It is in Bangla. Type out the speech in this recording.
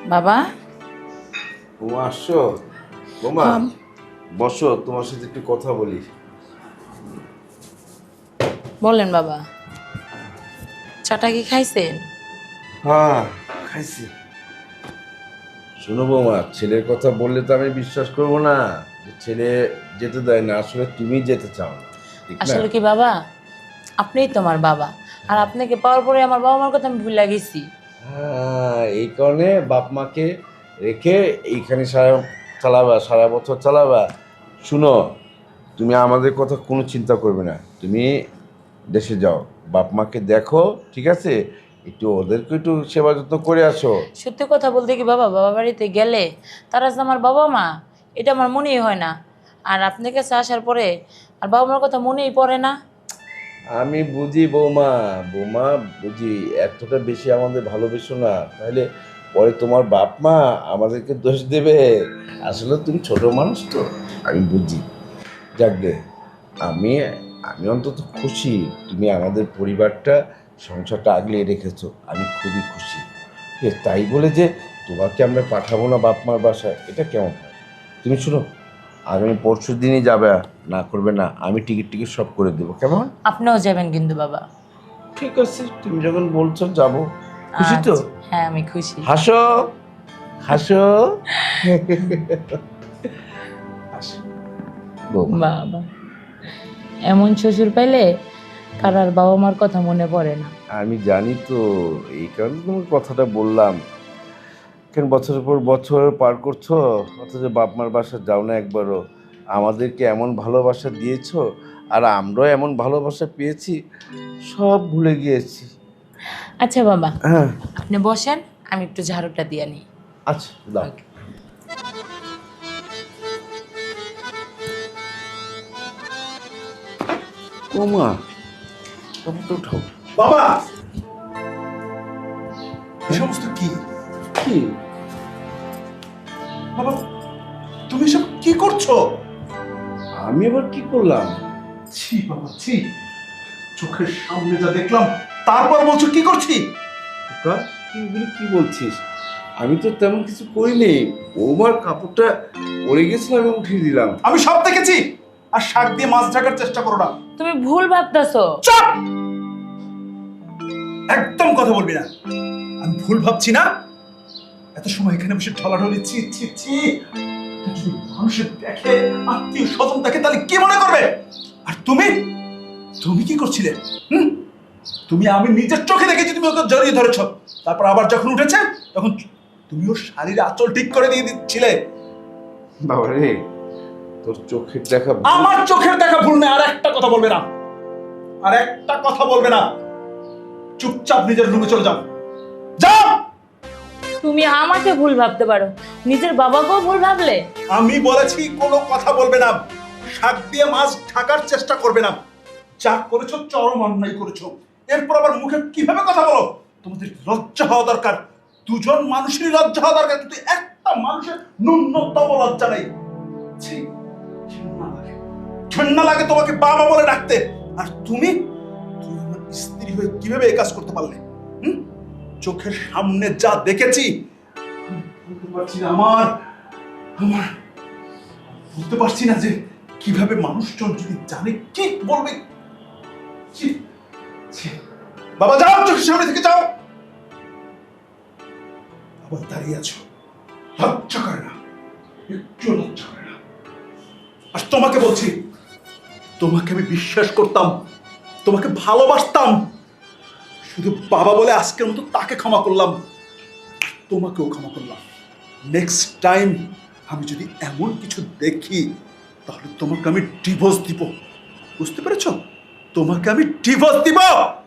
বাবা। বৌমা আসছো? বৌমা বসো, তোমার সাথে একটু কথা বলি। বলেন বাবা, চাটা কি খাইছেন? হ্যাঁ, খাইছি। শোনো বৌমা, ছেলের কথা বললে তো আমি বিশ্বাস করবো না যে ছেলে যেতে দেয় না। আসলে তুমি যেতে চাও না, ঠিক না? আসলে কি বাবা, আপনিই তো আমার বাবা, আর আপনাকে পাওয়ার পরে আমার বাবা মার কথা আমি ভুলে গেছি। হ্যাঁ, এই কারণে বাপ মাকে রেখে এইখানে চালাবা, সারা বছর চালাবা। শুনো, তুমি আমাদের কথা কোনো চিন্তা করবে না। তুমি দেশে যাও, বাপ মাকে দেখো, ঠিক আছে? একটু ওদেরকে একটু সেবা যত্ন করে আসো। সত্যি কথা বলতে কি বাবা, বাবা বাড়িতে গেলে তারা যে আমার বাবা মা, এটা আমার মনেই হয় না। আর আপনার কাছে আসার পরে আর বাবা মার কথা মনেই পড়ে না। আমি বুঝি বৌমা, বৌমা বুঝি, এতটা বেশি আমাদের ভালোবেসো না, তাহলে পরে তোমার বাপ মা আমাদেরকে দোষ দেবে। আসলে তুমি ছোট মানুষ তো, আমি বুঝি। যাক গে, আমি আমি অন্তত খুশি তুমি আমাদের পরিবারটা, সংসারটা আগলিয়ে রেখেছো। আমি খুবই খুশি। তাই বলে যে তোমাকে আমরা পাঠাবো না বাপ মার বাসায়, এটা কেমন হয়? তুমি শুনো, আগামী পরশু দিনই যাবে, না করবে না, আমি টিকিট টিকিট সব করে দেবো, কেমন? আপনিও যাবেন কিন্তু বাবা। ঠিক আছে, তুমি যখন বলছো যাবো। খুশি তো? আচ্ছা, হ্যাঁ আমি খুশি। হাসো, হাসো। হাসো। বৌমা, বাবা, এমন শ্বশুর পাইলে কার আর বাবা মার কথা মনে পড়ে না। আমি জানি তো, এই কারণে তোমার কথাটা বললাম। কেন বছরের পর বছর পার করছো, অথচ বাপ মার বাসা যাও না একবারও। আমাদেরকে এমন ভালোবাসা দিয়েছো, আর আমরাও এমন ভালোবাসা পেয়েছি, সব ভুলে গিয়েছি। আচ্ছা বাবা, হ্যাঁ, আপনি বসেন, আমি একটু ঝাড়ুটা দিয়ে নিই। আচ্ছা দাও। Okay. ও মা, কাপড়টা উঠাও। বাবা, এই সমস্ত কি? কি? বাবা, তুমি এসব কি করছো? আমি আবার কি করলাম? ছি বাবা, ছি। চোখের সামনে যা দেখলাম, তারপর বলছো কি করছি? খোকা, তুই এগুলি কি বলছিস? আমি তো তেমন কিছু করিনি। ওমার কাপড়টা পরে গেছিল, আমি উঠিয়ে দিলাম। আমি সব দেখেছি। আর শাক দিয়ে মাছ ঢাকার চেষ্টা করো না। তুমি ভুল ভাবতেছো। চুপ! একদম কথা বলবি না। আমি ভুল ভাবছি না। এত সময় এখানে বসে ঢলাঢলি, ছি ছি ছি। যদি মানুষের দেখে, আত্মীয় স্বজন দেখে, তাহলে কি মনে করবে? আর তুমি তুমি কি করছিলে? হুম? তুমি, আমি নিজের চোখে দেখেছি তুমি ওকে জড়িয়ে ধরেছ। তারপর আবার যখন উঠেছে, তখন তুমিও শাড়ির আঁচল ঠিক করে দিয়ে দিচ্ছিলে। বাবা রে, তোর চোখের দেখা আমার চোখের দেখা ভুল নেই। আর একটা কথা বলবে না, আর একটা কথা বলবে না। চুপচাপ নিজের রুমে চলে যাও। যাও! তুমি আমাকে ভুল ভাবতে পারো, নিজের বাবাকেও ভুল ভাবলে? আমি বলেছি কোনো কথা বলবে না। শাক দিয়ে মাছ ঢাকার চেষ্টা করবে না। যা করেছো চরম অন্যায় করেছো। এরপর আবার মুখে কিভাবে কথা বলো? তোমাদের লজ্জা হওয়া দরকার। দুজন মানুষেরই লজ্জা হওয়া দরকার, কিন্তু একটা মানুষের ন্যূনতম লজ্জা নেই। ছি, ঘৃণা লাগে। ঘৃণা লাগে তোমাকে বাবা বলে ডাকতে। আর তুমি তুমি আমার স্ত্রী হয়ে কিভাবে এই কাজ করতে পারলে? হুম? চোখের সামনে যা দেখেছি, আমি বলতে পারছি না। আমার আমার বুঝতে পারছি না যে কিভাবে মানুষজন যদি জানে কি বলবে। ছি, ছি। বাবা যাও, চোখের সামনে থেকে যাও। আবার দাঁড়িয়ে আছো, লজ্জা করে না? একটু লজ্জা করে না? আর তোমাকে বলছি, তোমাকে আমি বিশ্বাস করতাম, তোমাকে ভালোবাসতাম। শুধু বাবা বলে আজকের মতো তাকে ক্ষমা করলাম, তোমাকেও ক্ষমা করলাম। নেক্সট টাইম আমি যদি এমন কিছু দেখি, তাহলে তোমাকে আমি ডিভোর্স দিব। বুঝতে পেরেছো? তোমাকে আমি ডিভোর্স দিব।